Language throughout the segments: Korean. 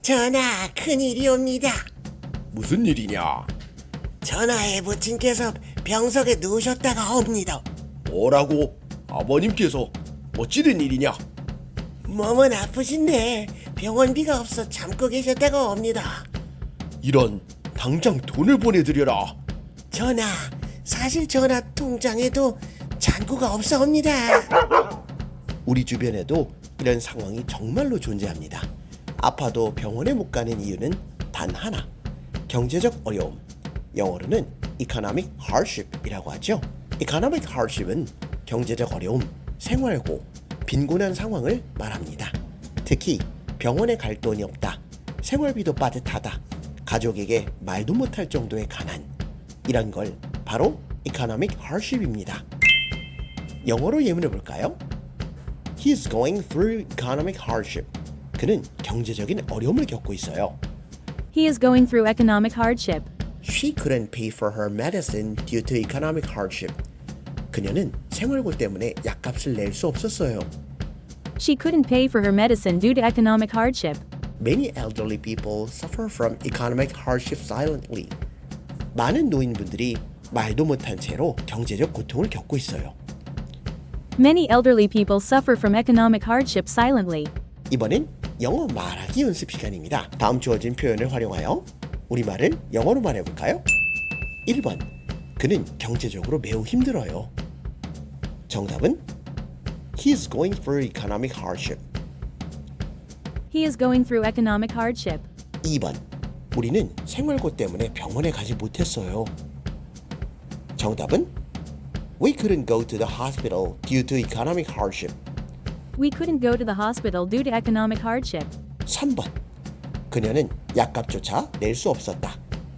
전하, 큰일이옵니다. 무슨 일이냐? 전하의 부친께서 병석에 누우셨다가 옵니다. 뭐라고? 아버님께서 어찌된 일이냐? 몸은 아프신데 병원비가 없어 잠고 계셨다가 옵니다. 이런, 당장 돈을 보내드려라. 전하, 사실 전하 통장에도 잔고가 없사옵니다. 우리 주변에도 이런 상황이 정말로 존재합니다. 아파도 병원에 못 가는 이유는 단 하나, 경제적 어려움. 영어로는 economic hardship이라고 하죠. economic hardship은 경제적 어려움, 생활고, 빈곤한 상황을 말합니다. 특히 병원에 갈 돈이 없다, 생활비도 빠듯하다, 가족에게 말도 못할 정도의 가난, 이런 걸 바로 economic hardship입니다. 영어로 예문해 볼까요? He is going through economic hardship. 그는 경제적인 어려움을 겪고 있어요. He is going through economic hardship. She couldn't pay for her medicine due to economic hardship. 그녀는 생활고 때문에 약값을 낼 수 없었어요. She couldn't pay for her medicine due to economic hardship. Many elderly people suffer from economic hardship silently. 많은 노인분들이 말도 못한 채로 경제적 고통을 겪고 있어요. Many elderly people suffer from economic hardship silently. 이번엔 영어 말하기 연습 시간입니다. 다음 주어진 표현을 활용하여 우리말을 영어로 말해볼까요? 1번, 그는 경제적으로 매우 힘들어요. 정답은 He is going through economic hardship. He is going through economic hardship. 2번, 우리는 생활고 때문에 병원에 가지 못했어요. 정답은 We couldn't go to the hospital due to economic hardship. We couldn't go to the hospital due to economic hardship. 3번, 그녀는 약값조차 낼 수 없었다.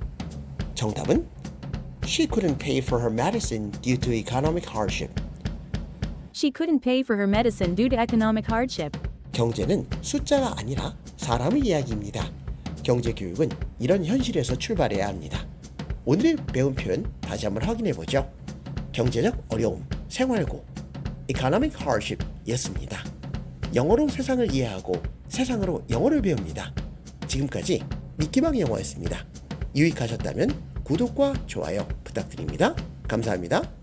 정답은 She couldn't pay for her medicine due to economic hardship. She couldn't pay for her medicine due to economic hardship. 경제는 숫자가 아니라 사람의 이야기입니다. 경제교육은 이런 현실에서 출발해야 합니다. 오늘 배운 표현 다시 한번 확인해 보죠. 경제적 어려움, 생활고, economic hardship 였습니다. 영어로 세상을 이해하고 세상으로 영어를 배웁니다. 지금까지 미끼방 영어였습니다. 유익하셨다면 구독과 좋아요 부탁드립니다. 감사합니다.